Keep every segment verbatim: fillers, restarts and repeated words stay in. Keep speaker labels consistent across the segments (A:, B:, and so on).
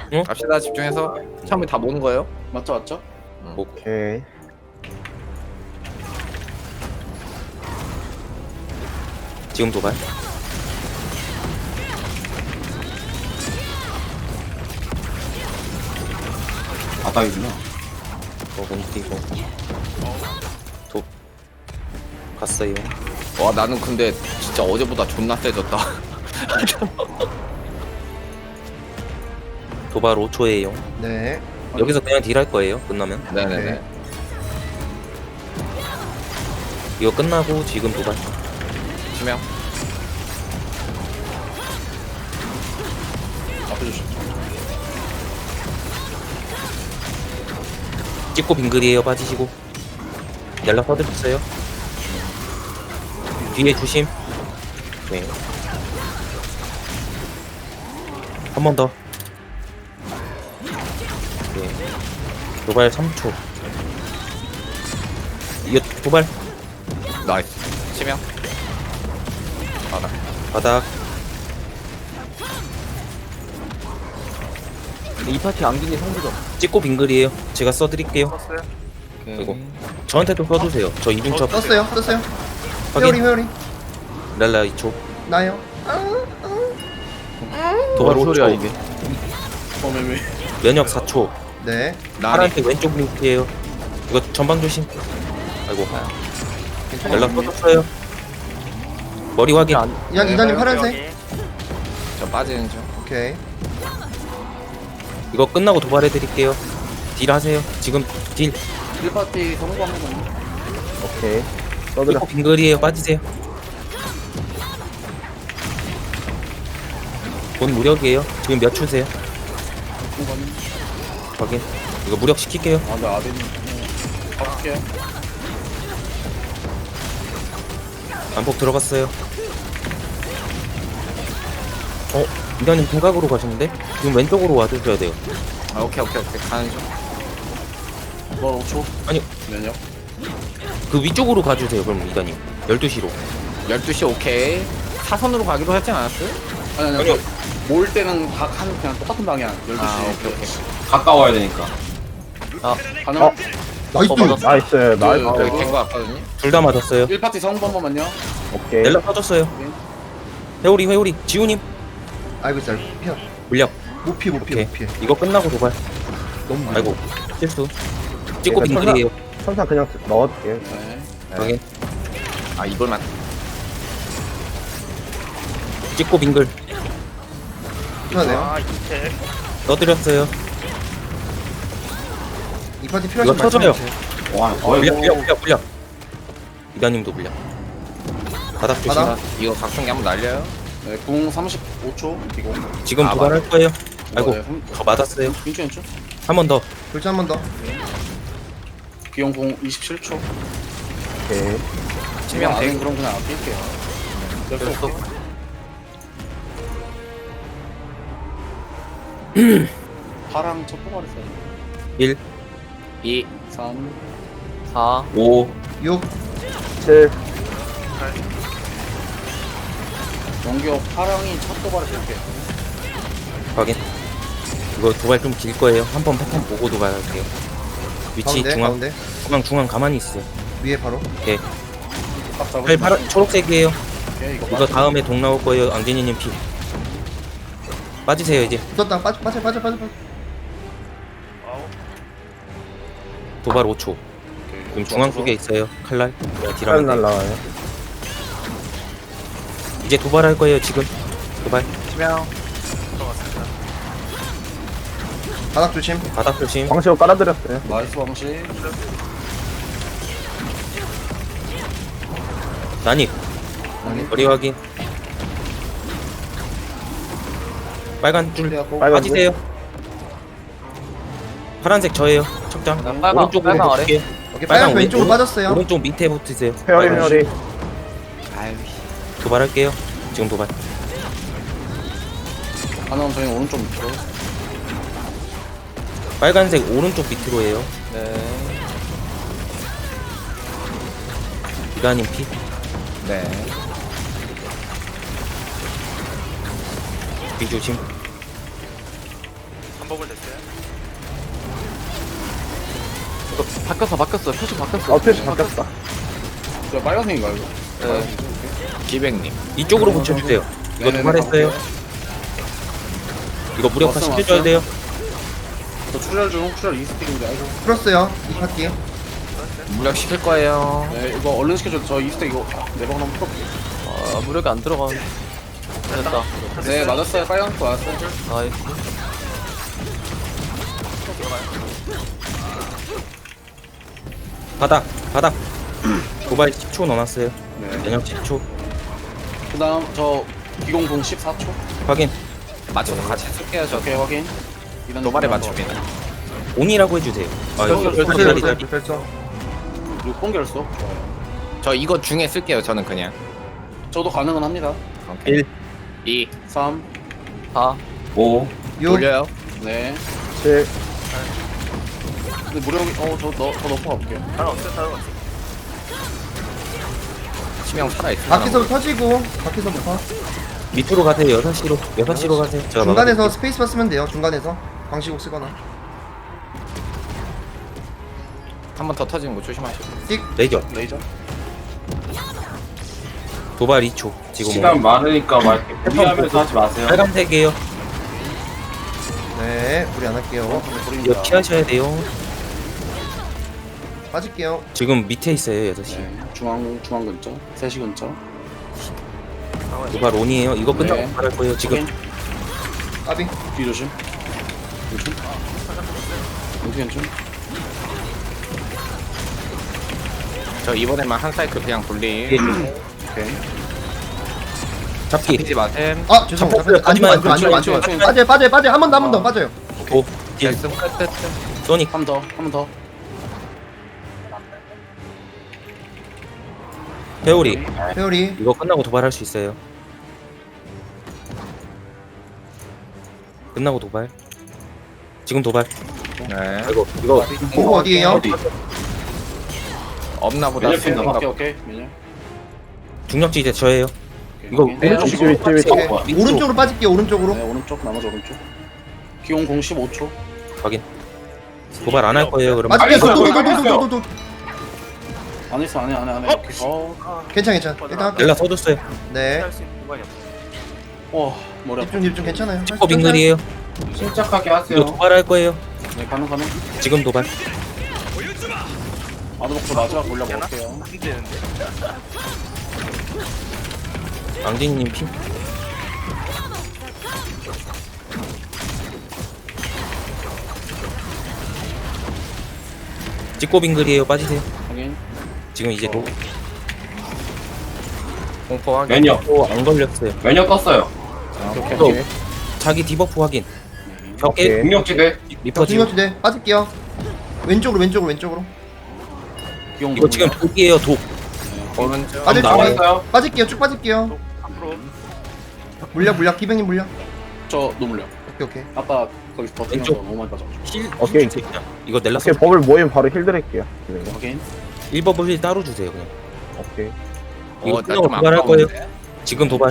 A: 응?
B: 갑시다. 집중해서 처음에 다 모는 거예요.
C: 맞죠 맞죠?
D: 오케이.
A: 지금 도발.
C: 바닥이구나.
A: 먹은 뛰고. 도 갔어요.
B: 와 나는 근데 진짜 어제보다 존나 세졌다.
A: 도발 오 초예요.
D: 네.
A: 여기서 그냥 딜할 거예요. 끝나면.
B: 네네네.
A: 이거 끝나고 지금 도발.
B: 치명.
C: 앞에 주시.
A: 찍고 빙글이에요. 빠지시고. 연락 퍼드렸어요. 뒤에 조심. 네. 한 번 더. 네. 도발 삼 초. 이거 도발.
B: 나이스. 치명. 바닥.
A: 바닥.
E: 이 파티 안기니 상부점.
A: 찍고 빙글이에요. 제가 써드릴게요.
B: 썼어요?
A: 이거. 저한테도 써주세요. 저 이중첩.
D: 떴어요. 떴어요.
A: 확인.
D: 회오리 회오리.
A: 랄라 이 초.
D: 나요.
A: 도발 오 초.
E: 소리야 이게.
C: 처음에 왜?
A: 면역 사 초.
D: 네.
B: 나니.
A: 파란색 왼쪽 링크예요. 이거 전방 조심. 아이고. 연락 꺼졌어요. 머리 확인.
E: 안.
D: 이단 이단님 파란색.
B: 저 빠지는 중.
D: 오케이.
A: 이거 끝나고 도발해드릴게요. 딜 하세요. 지금 딜.
C: 일 파티 성공 한번 더.
D: 오케이.
A: 이거 빙글이에요. 빠지세요. 본 무력이에요. 지금 몇 초세요? 확인. 이거 무력 시킬게요.
C: 아, 나 아베님. 갈게요.
A: 안폭 들어갔어요. 어? 이단님 대각으로 가시는데? 지금 왼쪽으로 와주셔야 돼요.
B: 아 오케이 오케이 오케이 가는 중.
C: 너 오 초.
A: 아니.
C: 면역.
A: 그 위쪽으로 가주세요. 그럼 이단님. 열두 시로.
B: 열두 시 오케이. 사선으로 가기로 했지 않았어요?
C: 아니 아니.
A: 아니요.
C: 아니. 모을 때는 각 한 그냥 똑같은 방향. 열두 시.
B: 아 오케이 오케이.
F: 가까워야 되니까.
C: 가능?
D: 어? 나이스.
E: 나이스.
C: 나이스.
B: 어 여기 된거 같거든요.
A: 둘 다 맞았어요.
C: 일 파티 성공 한 번만요.
D: 오케이.
A: 연락 터졌어요. 회오리 회오리. 지우님.
D: 아이고 잘 피어.
A: 물력.
D: 못 피해 못 피해
A: 오케이.
D: 못 피해.
A: 이거 끝나고 도발.
D: 너무 많아.
A: 아이고. 실수. 찍고
D: 그러니까
A: 빙글이에요.
D: 천사 그냥 넣어줄게.
C: 네.
A: 확인.
B: 아 이걸만.
A: 찍고 빙글.
D: 편하네요.
A: 넣어드렸어요.
D: 이 파티
A: 이거
D: 필요하신
A: 터져요.
D: 말씀해주세요.
F: 와, 거의
A: 물력 물력 물력 물력. 이단님도 물력. 바닥 조심.
D: 바닥.
B: 이거 각성기 한번 날려요.
C: 네. 궁 삼십오 초. 이거.
A: 지금
B: 아,
A: 도발할 거예요. 아이고.
C: 네, 흠-
A: 저 맞았어요.
C: 빈ቹ 빈추.
A: 한 번 더.
D: 글자 한 번 더.
C: 비용 궁 이십칠 초.
D: 오케이.
B: 치명
C: 안에
B: 대기.
C: 그럼 그냥 아낄게요. 열두 개. 파랑 첫 도발했어요.
A: 일,
B: 이.
C: 삼.
E: 사.
A: 오,
D: 육.
E: 칠.
C: 연기어 파랑이 첫 도발했을게.
A: 확인. 이거 도발 좀 길 거예요. 한 번 패턴 보고 도발할게요. 위치
D: 가운데
A: 중앙,
D: 가운데.
A: 중앙, 중앙 가만히 있어요.
D: 위에 바로.
A: 오케이.
C: 딱 잡으시면
A: 팔 파란, 초록색이에요.
C: 오케이, 이거
A: 이거 다음에 동 나올 거예요. 안개니님 피. 빠지세요 이제.
D: 붙었다. 빠져 빠져 빠져 빠져. 빠져.
A: 도발 오 초. 지금 중앙 쪽에 있어요. 칼날. 딜하면 돼.
E: 날라와요.
A: 이제 도발할 거예요. 지금. 도발.
B: 치명.
D: 바닥 조심.
A: 바닥 조심.
E: 광시로 깔아드렸어요.
C: 나이스 방식.
A: 난입.
D: 난입.
A: 머리 확인. 빨간 줄.
C: 준비하고
E: 빨간
A: 빠지세요. 파란색 저예요. 척장.
E: 빨강,
A: 오른쪽으로
E: 빨강 아래.
A: 붙을게요.
D: 오케이.
A: 빨강
D: 빨간 왼쪽으로
A: 오른-
D: 빠졌어요.
A: 오른쪽 밑에 붙으세요.
E: 회오리
A: 빨간
E: 회오리.
B: 아유.
A: 도발할게요. 지금 도발.
C: 하나는 저희 오른쪽 밑으로.
A: 빨간색 오른쪽 밑으로 해요.
E: 네.
A: 이가님 피.
B: 네.
A: 비 조심.
E: 이거 바뀌었어, 바뀌었어. 표시 바뀌었어.
F: 아, 표시 바뀌었다.
C: 저 빨간색인가 이거?
E: 네.
B: 기백님.
A: 이쪽으로 붙여주세요. 이거
C: 네네네,
A: 도발했어요.
C: 가볼게요.
A: 이거 무력화
C: 왔어,
A: 시켜줘야
C: 왔어.
A: 돼요.
C: 저 출혈 중 출혈 이 스택인데 아이고.
D: 풀었어요. 이 파티.
B: 무력 시킬 거예요.
C: 네 이거 얼른 시켜줘. 저 이 스택 이거 네번 한번 풀어볼게요.
E: 아, 무력이 안 들어가는. 됐다.
C: 네 맞았어요. 빨간색 맞았어요.
E: 나이스.
A: 바닥, 바닥. 도발 십 초 넣어놨어요.
C: 네.
A: 면역 십 초.
C: 그다음 저 기공공 십사 초.
A: 확인.
B: 맞춰서 같이 쓸게요. 저
C: 오케이 확인. 이런
B: 도발에
C: 느낌으로
B: 맞춥니다.
A: 온이라고 해주세요. 아, 이거
C: 별표,
A: 별표,
C: 별표,
A: 별표,
D: 별표,
A: 별표.
D: 별표.
C: 한번. 육 번 결속. 좋아요.
B: 저 이거 중에 쓸게요. 저는 그냥.
C: 저도 가능은 합니다.
B: 오케이.
A: 일.
B: 이.
C: 삼.
E: 사.
A: 오.
D: 육.
B: 돌려요.
C: 네.
F: 칠.
C: 근데 무력이 어저더 넣고 가볼게요.
B: 치명 살아있어.
D: 밖에서부터 터지고, 밖에서부터.
A: 밑으로 가세요. 여섯 시로. 여섯 시로 가세요. 제가
D: 중간에서 스페이스바 쓰면 돼요. 중간에서. 광시국 쓰거나.
B: 한번 더 터지는 거 조심하시고.
D: 띡.
A: 레이저.
C: 레이저.
A: 도발 이 초. 지금
G: 시간 많으니까 막 이렇게 무리하면서 하지 마세요.
A: 빨간색이에요.
D: 네, 우리 안 할게요.
C: 근데
A: 이거
C: 보입니다.
A: 피하셔야 돼요.
D: 빠질게요.
A: 지금 밑에 있어요. 여섯 시.
C: 네. 중앙 중앙 근처. 세 시 근처.
A: 도발 온이에요. 이거 끝나고
C: 네.
A: 도발할 거예요. 지금
C: 확인.
D: 까비.
C: 뒤 조심. 조심. 어떻게 괜찮?
B: 저 이번에만 한 사이클 그냥 돌림.
A: 예.
C: 오케이.
A: 잡기.
B: 잡히지 마셈.
D: 아, 죄송합니다.
A: 잡혔어요.
D: 안 죽어, 안 죽어, 안 죽어, 안
C: 왼쪽,
D: 죽어.
C: 왼쪽.
D: 빠져요, 빠져요, 빠져요. 한 번 더, 한 번 더, 빠져요.
A: 오. 일.
B: 결승 끝, 끝, 끝.
A: 소닉.
C: 한 번 더. 한 번 더.
A: 회오리.
D: 회오리.
A: 이거 끝나고 도발할 수 있어요. 끝나고 도발. 지금 도발.
B: 네.
A: 이거 이거
D: 공부 어디에요?
G: 어디?
B: 없나 보다.
G: 면역 핀다.
C: 오케이 오케이. 미녀.
A: 중력지 이제 저예요.
C: 오케이,
A: 이거
C: 확인.
F: 네,
C: 네,
F: 위치, 위치, 위치.
D: 오케이.
A: 어, 밑으로.
D: 오른쪽으로 빠질게요, 오른쪽으로.
C: 네 오른쪽 나머지 오른쪽. 기공 공 십오 초.
A: 확인. 도발 안 할 거예요. 그러면
D: 빠질게요.
G: 알겠어요,
D: 도도도도도도도.
C: 안 했어 안해 안해 안해. 오케이. 어.
D: 괜찮아, 괜찮아. 일단 할게요.
A: 연락 써줬어요.
D: 네.
C: 와 머리 아파.
D: 집중, 집중 괜찮아요.
A: 어 빙글이에요.
G: 침착하게
A: 이거
G: 하세요.
A: 도발할 거예요.
C: 네 가능 가능.
A: 지금 도발.
C: 아드복도 마지막 올려 볼게요.
A: 앙진님 핀. 찍고 빙글이에요. 빠지세요.
C: 확인.
A: 지금 이제 도,
B: 공포 확인.
G: 면역.
A: 또안 걸렸어요.
G: 면역 떴어요.
C: 오케이
A: 또
C: 오케이.
A: 자기 디버프 확인. 벽에
F: 오케이.
G: 공격지대.
A: 리퍼 지금
D: 중력지대 빠질게요. 왼쪽으로, 왼쪽으로, 왼쪽으로.
C: 기공
A: 이거 지금 독이에요. 독.
B: 오른쪽.
D: 빠질 준비.
G: 나왔어요.
D: 빠질게요. 쭉 빠질게요. 물려, 물려. 기병님 물려.
C: 저 노물려.
D: 오케이, 오케이.
C: 아까 거기서 버티면서
A: 왼쪽.
C: 너무 많이 빠져가지고.
A: 힐.
F: 오케이.
A: 힐 주세요. 이거 넬라스
F: 오케이, 버블 모이면 바로 힐 드릴게요. 네.
C: 확인.
A: 일 버블 힐 따로 주세요. 그냥.
F: 오케이.
A: 이거
B: 어,
A: 끝나고
B: 나좀
A: 도발할 거예요.
B: 아까운데.
A: 지금 도발.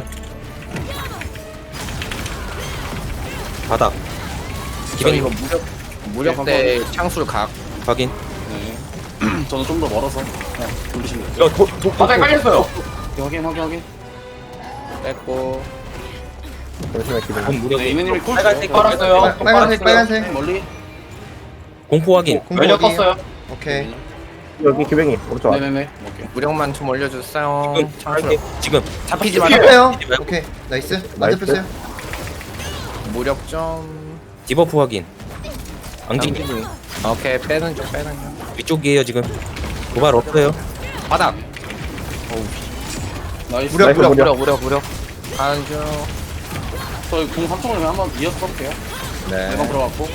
A: 바닥.
B: 저 이거
A: 기병님
B: 무력 무력 대 창술 각.
A: 확인.
C: 네. 저는 좀 더 멀어서 그냥 돌리시면 돼요.
A: 이거 독, 독,
G: 바닥에 깔렸어요.
C: 오케이, 확인 확인 확인.
B: 뺐고.
F: 잠시만 기다려.
A: 본 무력.
C: 네 이메님이 콜
A: 빨간색
C: 줘요.
G: 깔았어요.
D: 빨- 빨간색,
C: 네,
D: 빨간색.
C: 멀리.
A: 공포 확인.
D: 공부
G: 면역
D: 어디에요?
G: 떴어요.
D: 오케이.
F: 여기 기뱅이 오른쪽 아래.
C: 네네네. 오케이.
B: 무력만 좀 올려주세요.
A: 지금 할게. 지금
B: 잡히지 말고.
D: 뺐어요.
A: 잡히지 말고.
D: 오케이. 나이스. 맞아 뺐어요.
B: 무력 좀.
A: 디버프 확인. 앙진
B: 오케이 빼는 중 빼는 중.
A: 위쪽이에요 지금. 도발 없어요.
B: 바닥.
C: 나이스.
D: 무력,
F: 나이스,
D: 무력.
B: 무력 무력 무력. 가는 중.
C: 저희 공 삼 총을 한번 이어서 써볼게요.
B: 네.
C: 대박 들어갔고.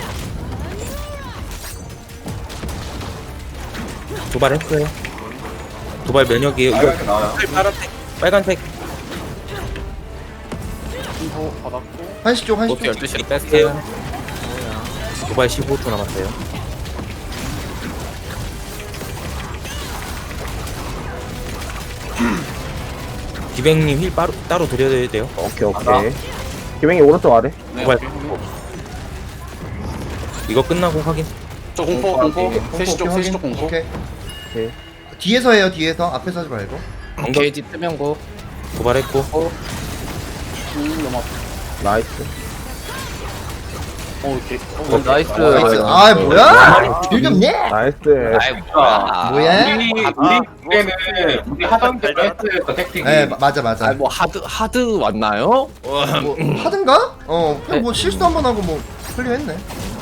A: 도발했어요. 도발 면역이에요. 이거
G: 빨갛게 나와요.
A: 파란색, 빨간색.
C: 인포 받았고.
D: 한시 쪽, 한시
B: 보트
D: 쪽.
B: 열두 시로 뺐어요.
A: 도발 십오 초 남았어요. 기백님 힐 따로, 따로 드려야 돼요.
F: 오케이, 오케이. 기뱅이 오른쪽 아래.
C: 네.
A: 도발.
C: 오케이. 확인.
A: 이거 끝나고 확인.
C: 저 공포 공포
F: 오케이.
C: 셋시 쪽 셋시 쪽 공포.
H: 오케이.
F: 오케이.
H: 뒤에서 해요, 뒤에서. 앞에서 하지 말고.
B: 게이지 뜨면 고.
A: 도발했고.
C: 음 너무 아파.
F: 나이스.
C: 어 이렇게.
E: 어, 나이스.
H: 나이스. 아, 뭐야? 딜 좀 내!
F: 나이스.
B: 아이 뭐야.
H: 뭐야?
G: 우리 우리 때는 우리 하던 대로 했어요 택틱이.
H: 네, 마- 맞아, 맞아.
B: 아뭐 하드 하드 왔나요?
H: 뭐, 하든가? 어, 그냥 뭐 실수 한 번 하고 뭐, 클리어 했네.